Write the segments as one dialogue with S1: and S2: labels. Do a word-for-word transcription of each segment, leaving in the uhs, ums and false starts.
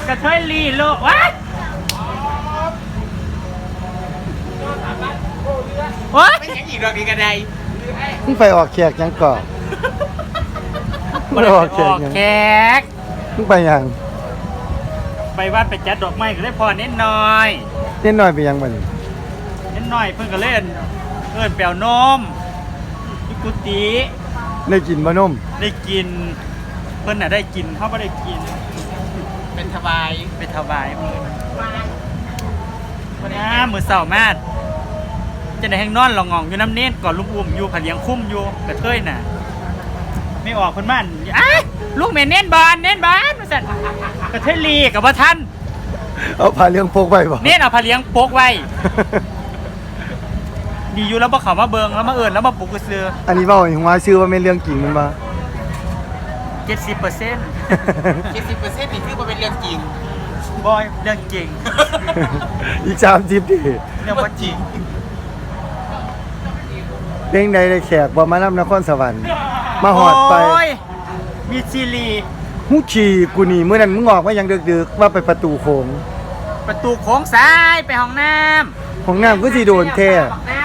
S1: กระเทยลีโลวะวะไม่ใช่อีกดอกดีกันใด
S2: มึงไปออกแขกยังก่อน
S1: ไปออกแขก
S2: มึงไปยัง
S1: ไปวัดไปจัดดอกไม้ก็ได้พอเน้นน้อย
S2: เน้นน้อยไปยังมัน
S1: เน้นน้อยเพิ่งก็เล่นเอิ้นแปลวนมยุกุติ
S2: ได้กินบ่นม
S1: ได้กินเพิ่นน่ะได้กินเขาไม่ได้กินเป็นถวายเป็นถวายมือวันนี้มือเสาร์มากจะได้แห้งนอนหลงงอยู่น้ำเน้นก่อนลุงอุ้มอยู่ผัดเลี้ยงคุ้มอยู่กระเทยน่ะไม่ออกคนบ้านอ้าลูกแม่เน้นบอลเน้นบอลมาสั่นกระเทยลีกับว่าท่าน
S2: เอาผ้าเลี้ยงโปกไว้บ่
S1: เน้นเอาผ้าเลี้ยงโปกไว้ดีอยู่แล้วบ่เขามาเบิงแล้วมาเอิญแล้วมาปลุกกระเสือ
S2: อันนี้เว่าอย่างว่าชื่อว่าไม่เรื่องจริงมันมา
S1: เจ็ดสิบเปอร์เซ็นต์เจ็ดสิบเปอร์เซ็นต์นี่คือมันเป็นเรื่องจริงบอยเรื่องจริง
S2: อีกสามสิบดิ
S1: เรื่องว่าจริง
S2: เรื่องใดได้แขกบ่มานำนครสวรรค์มาหอดไป
S1: มีซีรี
S2: ฮู้ขี่กูนี่เมื่อนั้นมึงออกมายังดึกๆว่าไปประตูโค้ง
S1: ประตูโค้งซ้ายไปห้องน้
S2: ำห้องน้ำก็สิโดนแท้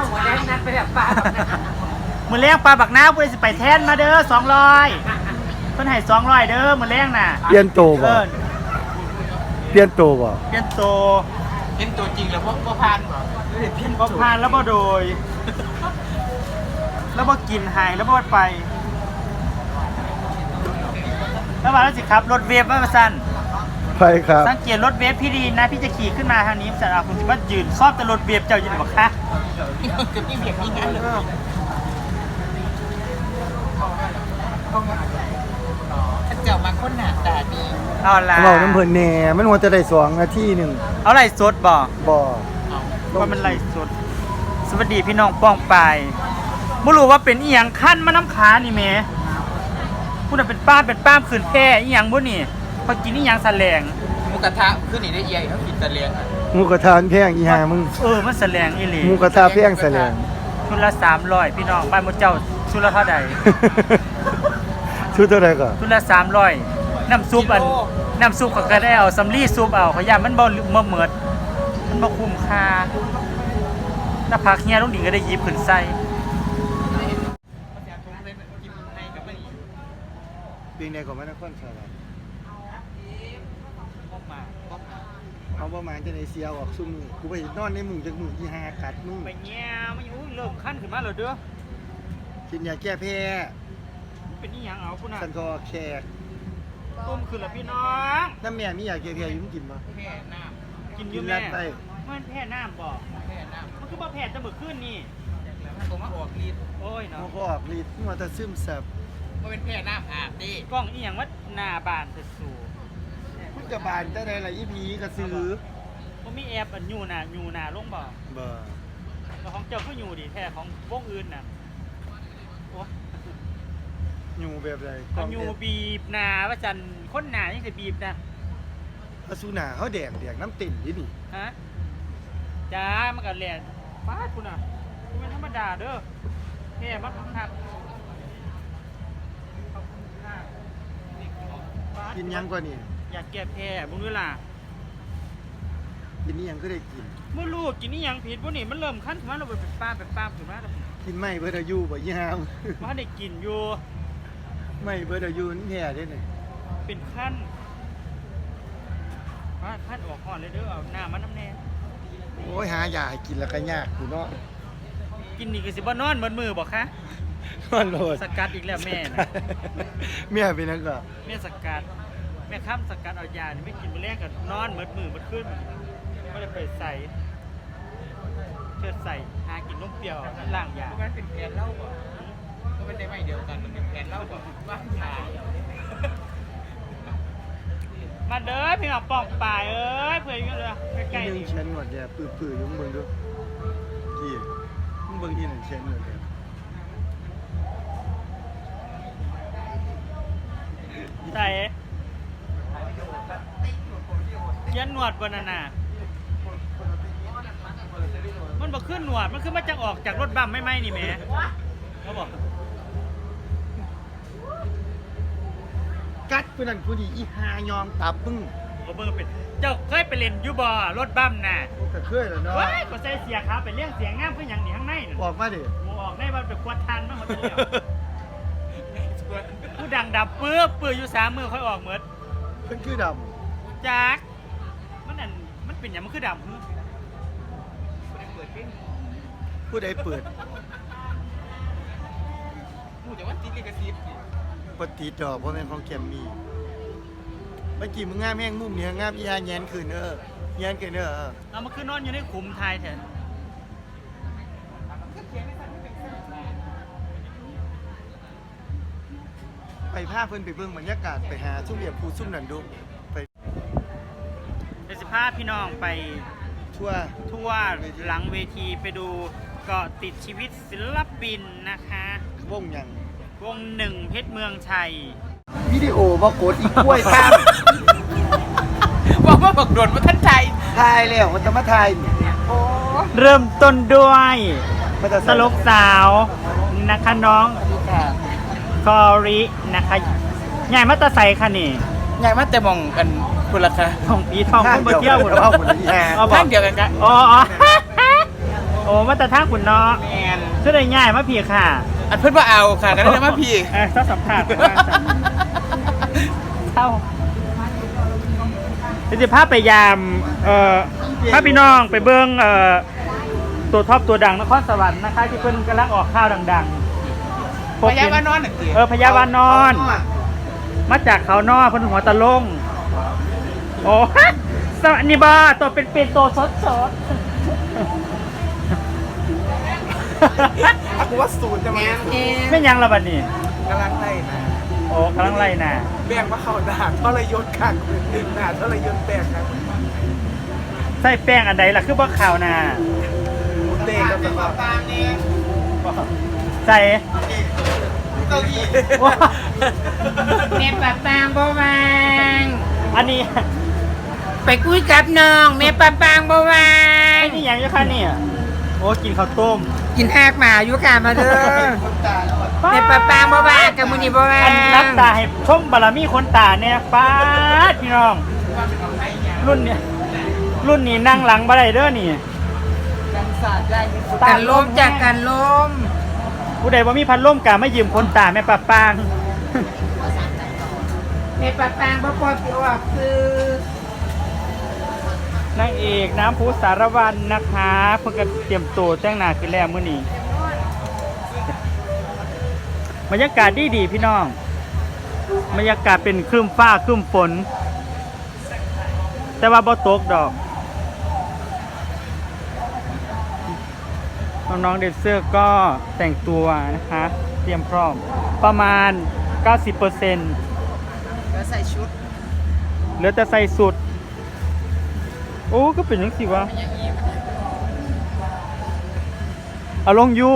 S1: มือเลี้ยงปลาบักน้าเพื่อจะไปแทนมาเด้อสองร้อยเพิ่นให้สองร้อยเด้อมือเลี้ยงน่ะ
S2: เปลี่ยนโตบ่เปลี่ยนโตบ่
S1: เปลี่ยนโตเปลี่ยนโตจริงแล้วพวกพ่อพานบ่พ่อพานแล้วบ่โดยแล้วบ่กินหายแล้วบ่ไปแล้วมาแล้วสิครับรถเวฟมาสั่น
S2: ไปครับ
S1: สังเกตรถเวฟพี่ดีนะพี่จะขี่ขึ้นมาทางนี้แต่เราคุณจะว่ายืนชอบแต่รถเวฟเจ้าอยู่ไหนบอกคะคือพี่เบียดนี่งั้นเลยถ้าเจ้ามาคนหนาตาดีเอาละ
S2: เราน้ำเพลินแหน่มันว่าจะได้สองนาทีหนึ่ง
S1: เอาไหลสดบ่
S2: บ่
S1: ว่ามันไหลสดสวัสดีพี่น้องป้องไปไม่รู้ว่าเป็นอีหยังขั้นมาน้ำขานี่แม่พูดว่าเป็นป้าเป็นป้าขืนแพร่อีหยังบ่นี่พอกินอีหยังแสลงหมูกระทะขึ้นนี่ได้เอียเขากินแสลง
S2: หมูกระทะแพงอีห่ามึง
S1: เออมันแสลงอีหลี
S2: หมูกระทะแพงแสลง
S1: ชุดละสามร้อยพี่น้องบ้านมดเจ้าชุดละเท่าใด
S2: ชุดเท่าไรก่อน
S1: ชุดละสามร้อยน้ำซุปอันน้ำซุปก็ได้เอาสำลีซุปเอาขยะมันบ่บ่เหมือดมันบ่คุ้มค่าถ้าผักเฮียลุงดิ่งก็ได้ยิบขึ้นใส่
S2: ปีนี้ก็ไม่ได้ค่อนข้างเอาประมาณจะในเซียวออกซุ่มกูไปนอนในหมู่จากหมู่ที่ห้ากัดมึง
S1: ไปแง่มันอยู่เริ่มขั้นขึ้นมาเลยเด้อ
S2: กินยาแก้แพ้
S1: เป็นนี่ยังเอาคุณน่ะ
S2: สันคอแขก
S1: ต้มขึ้นละพี่น้อง
S2: น้ำแม่มียาแก้แพ้อยู่มึงกินมั้ย
S1: แพ้น้ำกินอยู่แม่มันแพ้น้ำบอกแพ้น้ำมันคือบ่แพ้จะเบิกขึ้นนี่ผมมาออกฤทธิ์โอ้ยเนาะ
S2: มันก็ออกฤทธิ์มันจะซึมซับ
S1: มันเป็นแพ้น้ำอาบดิกล้องอีหยังว่าหน้าบานจะสู
S2: คุณกับบานจะได้อะไรอีพีกระซื้อ
S1: มันมีแอบอันยูน่ะยูน่ะลงบ่
S2: บ่
S1: แล้วของเจ้าก็ยูดิแท้ของวงอื่นน่ะโอ้
S2: ยูแบบไร
S1: ยูบีบหน้าว่าจันคนหน้านี่จะบีบนะ
S2: อสุนาเขาแดกแดกน้ำติ่มยี่นี่
S1: ฮะจ้ามันก็แหลนฟาดคุณอ่ะคุณเป็นธรรมดาเด้อแค่บักครับ
S2: กินยังกว่านี่
S1: อยากแก้แพ้บุญเวลา
S2: กินนี่ยังก็ได้กิน
S1: เมื่อลูกกินนี่ยังผิดพวกนี้มันเริ่มขั้นถึงว่าเราเป็นป้าเป็นป้าถึงว่า
S2: กินไม่เบอร์ดายูบ่ยี่ห้าม
S1: ว่าได้กินอยู่
S2: ไม่เบอร์ดายูนี่แพ้ได้เลย
S1: เป็นขั้นว่าขั้นออกห่อนเลยเด้อเอาหน้ามันน้ำแน่
S2: โอ้ยหายาให้กินแล้วก็ยากกูเนาะ
S1: กินนี่ก็สิบ่นอนเหมือนมือบอกคะ
S2: นอนโหลด
S1: สกัดอีกแล้วแม่นะ
S2: แม่เป็นนักก็
S1: แม่สกัดแม่ข้ามสกัดเอายาไม่กินไปแรกกับนอนเหมือนมือมันขึ้นก็เลยไปใส่เชิดใส่หากินนมเปรี้ยวล่างยามันเป็นแผนเล่าบ่ก็เป็นได้ไม่เดียวกันมันเป็นแผนเล่าบ่ว่าชามาเด้อพี่น้องปอกปลายเอ้ยเพื่อนกันเลยใกล้ๆ
S2: นี่เชนหนวดแย่ปื้อๆยุ่งเบิ่งดูกี่มึงเบิ่งที่ไหนเชนหนวดแย่
S1: ใส่เขียนหนวดบนน่ะนะมันบอกขึ้นหนวดมันขึ้นมาจากออกจากรถบัมไม่ไหมนี่แม่เขาบอก
S2: กัดผู้นั้นผู้นี้อีหายอมตับมึง
S1: โอ้เบิ่งเป็นเจ้าเคยไปเล่นยูบอรถบัมน่ะ
S2: ก็เคยแล้วเนาะ
S1: ว้ายก็ใส่เสียขาไปเลี้ยงเสียงงามคือหยังนี่ข้างในน่ะ
S2: ออกมาดิ
S1: หมูออกได้มันเป็นควดทันมากหมดเลยผู้ดังดับปื้อปื้ออยู่สามมือค่อยออกเหมือน
S2: เพิ่นคือด
S1: จักมันนั่นมันเป็นอย่างมันคือดำ
S2: ำผู้ใดเปิด
S3: พูดแต่ว่าติดลิขสิทธิ์
S2: ปฏิดดอกเพราะแม่นของแกมมี่เมื่อกี้มึงงามแห้งมุมเนี่ยงามอีหาแยนคืนเออแยนคืนเออ
S1: เอามันคือนอนอยู่ในขุมไทยแทน
S2: ไปพาเพิ่นไปเบิ่งบรรยากาศไปหาซุ่มเหยียบผู้ซุ่มนั่นดูไป
S1: เดี๋ยวสิพาพี่น้องไป
S2: ทั่ว
S1: ทั่วหลังเวทีไปดูเกาะติดชีวิตศิลปินนะคะ
S2: วงหยัง
S1: วงหนึ่งเพชรเมืองชัย
S2: วิดีโอบ่กดอีกกล้วยข้าม
S3: บอกว่าบักโดนมาท่านใจ
S2: ถ่ายแล้วมันจะมาถ่าย
S3: โอ้
S1: เริ่มต้นด้วย
S2: มันจะ
S1: ตลกสาวนะคะน้อง
S3: ค่ะ
S1: กอรินะคะใหญ่มาตาใสค่ะนี่
S3: ใหญ่มากแต่มองกันคุณล่ะคะ
S1: ทองปีทองคนมาเที่ยวหมด
S2: เอาหมดเลยแฮะ
S1: เอาบอ
S3: ท่าก นเดียวกันกัน
S1: อ๋ออ๋อ โอ้มาตาท่าขุนเนาะ
S3: แมน
S1: ช่วยได้ง่ายมาพี่ค่ะ
S3: อันเพื่อนว่าเอาค่ะกันได้มาพี่
S1: เออเจ้าสัมผัสเท่าเดี๋ยวจะพาไปยามเอ่อพาพี่น้องไปเบิ้งเอ่อตัวท็อปตัวดังนครสวรรค์นะคะที่เพิ่นกำลังออกข้าวดังๆ
S3: พยาว่านอนหนึ่งที
S1: เออพยาบาลนอน มาจากเขานอกเพิ่นหัวตะลงโอ้สวัสดีบ้าตัวเป็นเป็นตัวสดสด
S3: กูว่าศูนย์จะมา
S1: ไม่ยังละบัดนี้
S3: กำลังไล่นะ
S1: โอ้กำลังไล่น่ะ
S3: แบ่งว่าเขาด่าทรยศกันด่าทรยศแตกกัน
S1: ใส่แป้งอันใดล่ะคือบ่ข่าวน่ะ
S3: เตะกันตลอด
S1: ใส่ ว้า
S4: แม่ปะปางบ่วาง
S1: อันนี้
S4: ไปคุยกับน้องแม่ปะปางบ่วา
S1: ไอ้
S4: ง
S1: นี่ยังอยู่ค่ะเนี่ยโอ้กินข้าวต้ม
S4: กินหากหมาอยู่ค่ะมาเด้อแม่ปะปางบ่วางกับมื้อนี้บ่วา
S1: อันนับ
S4: ง
S1: ตาให้ชมบารมีคนตาเนี่ยป้าดพี่น้อง รุ่นเนี่ยรุ่นนี้นั่งหลังบ่ได้เด้อนี่
S3: กันศาสตร์ได้มีสุด
S4: กันลมจากกันลม
S1: ผู้ใดบ่มีพัดลมกะไม่ยืมคนตาแม่ป้าปาง
S4: แม่ปะปางบ่ปล่อยสิออกคือน
S1: างเอกน้ำพุสารวันนะคะเพิ่งก็เตรียมตัวแต่งหน้าขึ้นแล้วมื้อนี้บรรยากาศดีดีๆพี่น้องบรรยากาศเป็นครึ้มฟ้าครึ้มฝน แต่ว่าบ่ตกดอกน้องๆเดนเซอร์ก็แต่งตัวนะคะ เตรียมพร้อมประมาณ เก้าสิบเปอร์เซ็นต์
S3: แล้วใส่ชุด
S1: เหลือแต่ใส่สุด โอ้ก็เป็นยังสิวะเอาลงยู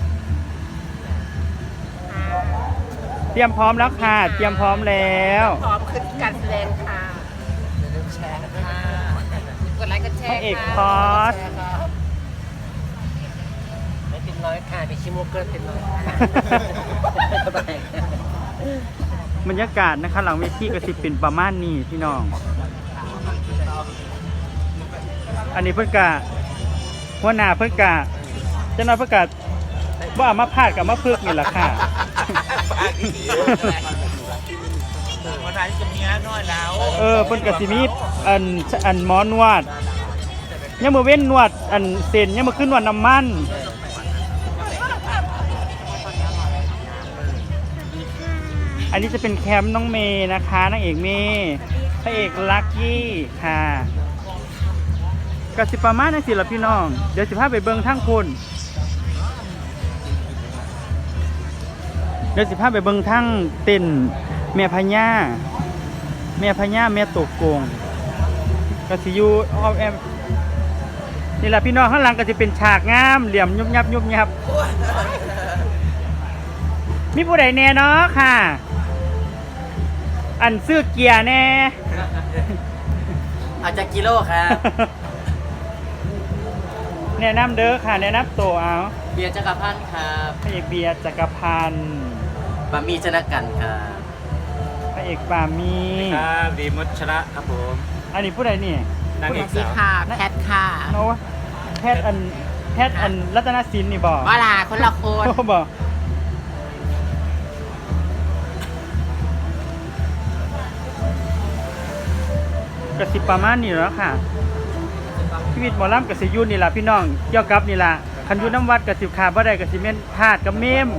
S1: เตรียมพร้อมแล้วค่ะ เตรียมพร้อมแล้ว
S4: พร้อมขึ้นการแสดงค่ะอย่าลืมแชร์ค่ะกดไลค์กดแช
S1: พระ
S4: ร์
S1: เอกพ
S4: ค่ะ
S1: อส
S4: ไม่เป็นร้อยค่ะมีชิโมเกิลเป็นร้อย
S1: บรรยากาศนะคะหลังเวทีก็สิเป็นประมาณนี้พี่น้อง อันนี้เพื่อนกะหัวหน้าเพื่อนกะเจ้าหน้าเพื่อนกะว่ามาพาดกับมาพึกนี่แหละค่ะ
S3: วันไหนจะมีน้อยแล้ว
S1: เออเพิ่นก็สิมีอันอันหมอนวดยังมือเว้นนวดอันเส้นยังมือขึ้นนวดน้ำมันอันนี้จะเป็นแคมป์น้องเมย์นะคะนางเอกเมย์พระเอกลักกี้ค่ะก็สิประมาณนั้นสิล่ะพี่น้องเดี๋ยวสิพาไปเบิ่งทั้งคุณเดี๋ยวสิพาไปเบิ่งทั้งเต้นแม่พญาแม่พญาแม่ตกโกงก็สิอยู่ออมแอมนี่แหละพี่น้องข้างหลังก็จะเป็นฉากงามเหลี่ยมยุบยับยุบยับมีผู้ใดแน่เนาะค่ะ อันซื้อเกียร์แน่
S3: อาจจะกิโลครับ
S1: แนะนำเด้อค่ะแนะนำตัวเอา
S3: เบียร์จักรพันธ์ครับ
S1: พระเอกเบียร์จักรพันธ์
S3: บะหมี่ชนะกันครับ
S1: พระเออกปามี
S3: ครับดีมัชระครับผม
S1: อันนี้ผู้ใดนี่
S3: นาง
S4: ส
S3: เอ
S4: วั
S3: ก
S4: สดี
S3: สาว
S4: ค่ะแพทค่ะ
S1: โน้แพทย์อันแพทย์อันรัตนศิลป์นี่บอก
S4: ว่าลาคนละคน
S1: บอกกระสิบประมาณนี้แล้วค่ะชีวิตหมอลำกระสิอยูนี่แหละพี่น้องเกี่ยวกับนี่แหละคันอยูน้ำวัดกระสิบขาบ่ได้กระสิเม่นธาตุกับเมม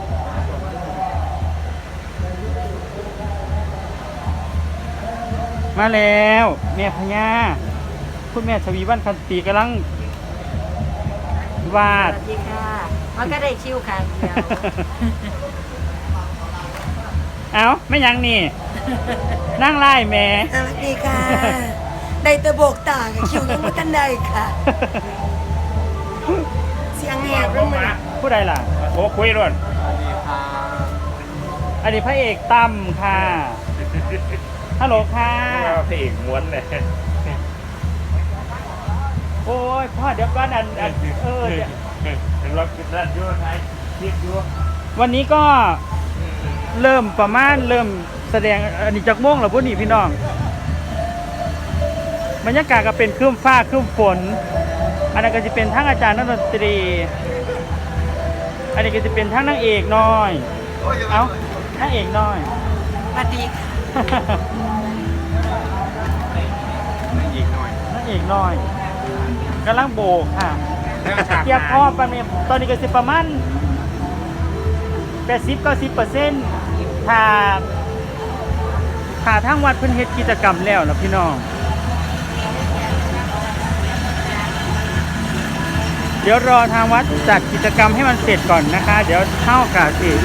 S1: มาแล้วแม่พญาคุณแม่ชวีวันคันตีกำลังวา
S4: ส
S1: ด
S4: วัสดีค่ะมันก็ได้ชิวค่ะเดียว
S1: เอาไม่ยังนี่ นั่งไล่แม่
S5: สวัสดีค่ะ ได้แตะโบกตากับคิวยังไม่ทันได้ค่ะ เสียงแหบแล้วมัน
S1: ผู้ใดล่ะ
S3: โอ้คุยด้วย
S1: อันนี้พระเอกตั้มค่ะฮัลโหลค่ะ
S3: พระเอกม้วนเลย
S1: โอ้ยพ่อเดี๋ยวก่อนอันอันเออเดี๋ยว
S3: เห็นรถกินด้านยั่วไทยคิดยั่ว
S1: วันนี้ก็เริ่มประมาณเริ่มแสดงอันนี้จากโม่งเหรอพวกนี้พี่น้องบรรยากาศก็เป็นครึ้มฟ้าครึ้มฝน อันนั้นก็จะเป็นทั้งอาจารย์นักดนตรี อันนี้ก็จะเป็นทั้งนางเอกน้อย เอ้านางเอกน้อย
S5: สวัสดีค่ะ
S3: อีกหน่อย
S1: นางเอกน้อยกำลังโบกค่ะ
S3: แล้วฉาก
S1: เทียบพอประมาณตอนนี้ก็สิประมาณแปดสิบเก้าสิบเปอร์เซ็นต์ถ้าถ้าทางวัดเพิ่นเฮ็ดกิจกรรมแล้วนะพี่น้อง เดี๋ยวรอทางวัดจัดกิจกรรมให้มันเสร็จก่อนนะคะ เดี๋ยวเข้ากาสิ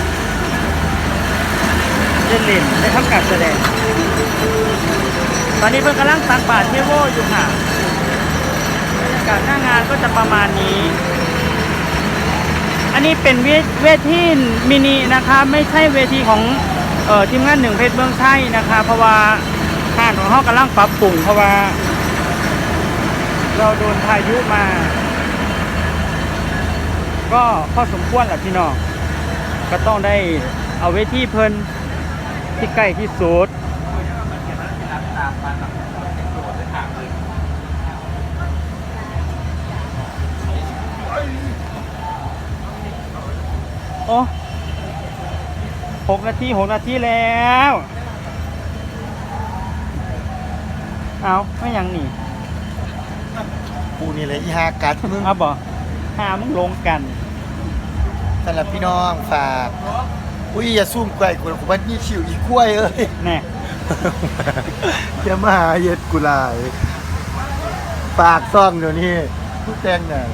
S1: ได้เล่นได้ทำการแสดง ตอนนี้เพิ่นกำลังตักบาตรเทโวอยู่ค่ะบรรยากาศหน้างานก็จะประมาณนี้ อันนี้เป็นเวทเวทีมินินะคะไม่ใช่เวทีของเอ่อทีมงานหนึ่งเพชรเมืองไทยนะคะ เพราะว่าห้างของเขากำลังปรับปรุงเพราะว่า เราโดนพายุมา ก็พอสมควรแหละพี่น้องก็ต้องได้เอาเวทีเพิ่นที่ใกล้ที่สุดโอ้หกนาทีหกนาทีแล้ว เอาไม่ยังหนี
S2: กูนี่แหละอีหากัดมึง
S1: เอาบ่หามึงลงกัน
S2: สำหรับพี่น้องฝาก อุ้ยอย่าซุ่มไกวกูกูว่านี่ชิวอีกล้วยเอ้ย
S1: แน่
S2: อย่ามาหาเย็ดกูหลายฝากซ่องเดี๋ยวนี้ผู้แต่งน่ะ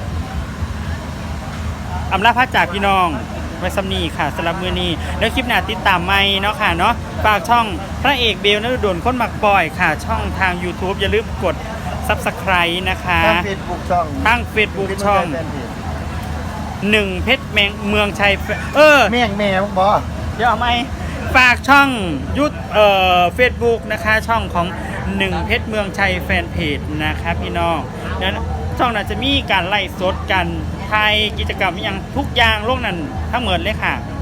S1: อำลาพระจากพี่น้องไว้สำนีค่ะสำหรับมือนี้แล้วคลิปหน้าติดตามไม่เนาะค่ะเนาะฝากช่องพระเอกเบลนฤดลคนมักบ่อยค่ะ ช่องทาง YouTube อย่าลืมกด ซับสไครบ์ นะคะ
S2: ทางเฟซบุ๊กช่อง
S1: ทาง Facebook ช่องหนึ่งเพชรแมงเมืองชัยเออ
S2: แม่งแม่มึงบ่
S1: เดี๋ยวเอาไหมฝากช่องยุทธเอ่อเฟซบุ๊กนะคะช่องของหนึ่งเพชรเมืองชัยแฟนเพจนะคะพี่น้องนั้นช่องนั้นจะมีการไล่สดกันไทยกิจกรรมอหย่างทุกอย่างโลกนั้นทั้งหมดเลยค่ะ